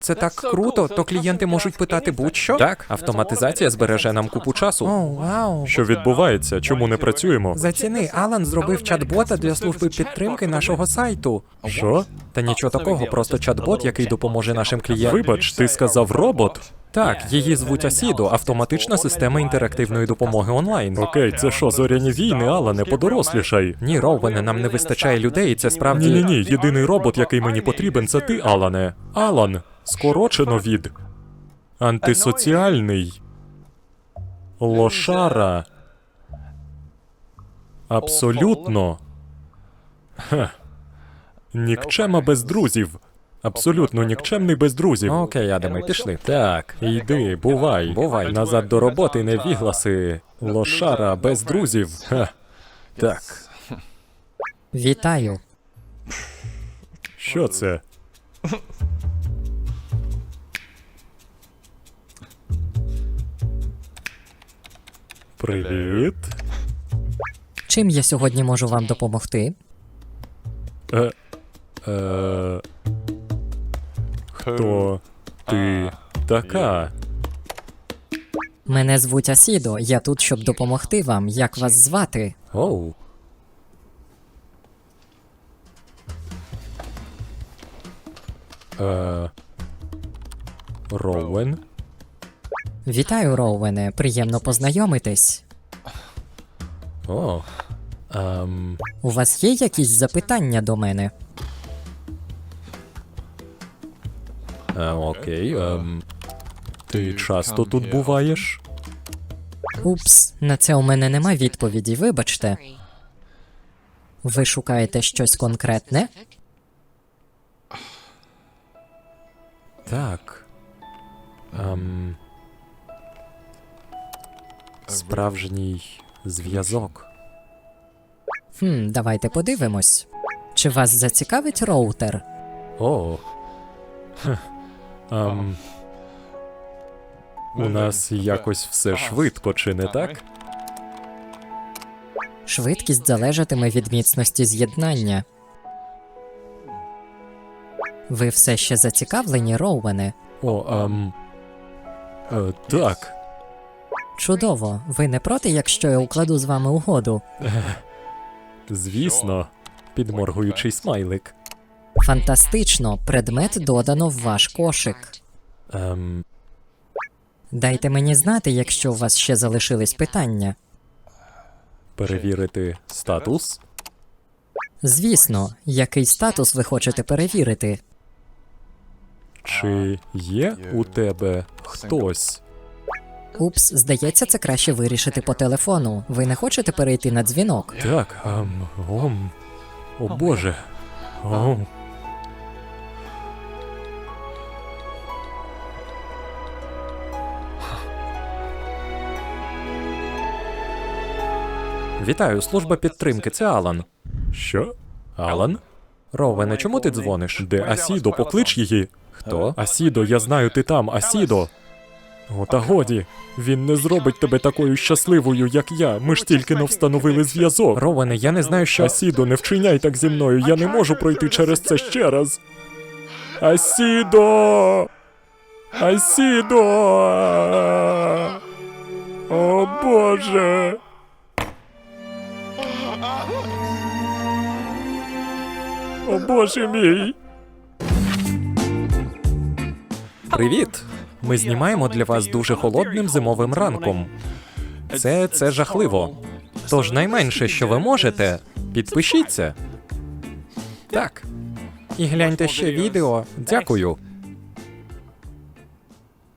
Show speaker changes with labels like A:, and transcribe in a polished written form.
A: Це так круто, то клієнти можуть питати будь-що?
B: Так, автоматизація збереже нам купу часу.
A: О, вау.
C: Що відбувається? Чому не працюємо?
A: Заціни, Алан зробив чат-бота для служби підтримки нашого сайту.
C: Що?
A: Та нічого такого, просто чат-бот, який допоможе нашим клієнтам.
C: Вибач, ти сказав робот?
A: Так, її звуть Асідо, автоматична система інтерактивної допомоги онлайн.
C: Окей, це що, зоряні війни, Алане, подорослішай.
A: Ні, Роуене, нам не вистачає людей, і це справді...
C: Ні-ні-ні, єдиний робот, який мені потрібен, це ти, Алане. Алан, скорочено від... Антисоціальний. Лошара. Абсолютно. Хе. Нікчема без друзів. Абсолютно нікчемний без друзів.
A: Окей, Адаме, пішли.
C: Так, йди, бувай.
A: Бувай.
C: Назад до роботи, невігласи. Лошара без друзів. Ха. Так.
A: Вітаю.
C: Що це? Привіт.
A: Чим я сьогодні можу вам допомогти?
C: Хто ти така?
A: Мене звуть Асідо, я тут, щоб допомогти вам. Як вас звати?
C: Оу. Роуен?
A: Вітаю, Роуене, приємно познайомитись.
C: О.
A: У вас є якісь запитання до мене?
C: Окей. Ти часто тут буваєш?
A: Упс, на це у мене нема відповіді, вибачте. Ви шукаєте щось конкретне?
C: Так. Справжній зв'язок.
A: Давайте подивимось. Чи вас зацікавить роутер?
C: О. Хе. У нас якось все швидко, чи не так?
A: Швидкість залежатиме від міцності з'єднання. Ви все ще зацікавлені, Роуене?
C: О, так.
A: Чудово. Ви не проти, якщо я укладу з вами угоду?
C: Звісно. Підморгуючий смайлик.
A: Фантастично. Предмет додано в ваш кошик. Дайте мені знати, якщо у вас ще залишились питання.
C: Перевірити статус?
A: Звісно, який статус ви хочете перевірити?
C: Чи є у тебе хтось?
A: Упс, здається, це краще вирішити по телефону. Ви не хочете перейти на дзвінок?
C: Так, о боже. О.
A: Вітаю, служба підтримки, це Алан.
C: Що? Алан?
A: Роуене, чому ти дзвониш?
C: Де Асідо? Поклич її.
A: Хто?
C: Асідо, я знаю, ти там, Асідо. О, та годі. Він не зробить тебе такою щасливою, як я. Ми ж тільки не встановили зв'язок.
A: Роуене, я не знаю, що...
C: Асідо, не вчиняй так зі мною. Я не можу пройти через це ще раз. Асідо! Асідо! О, Боже! О, Боже мій!
A: Привіт! Ми знімаємо для вас дуже холодним зимовим ранком. Це жахливо. Тож найменше, що ви можете, підпишіться. Так. І гляньте ще відео. Дякую.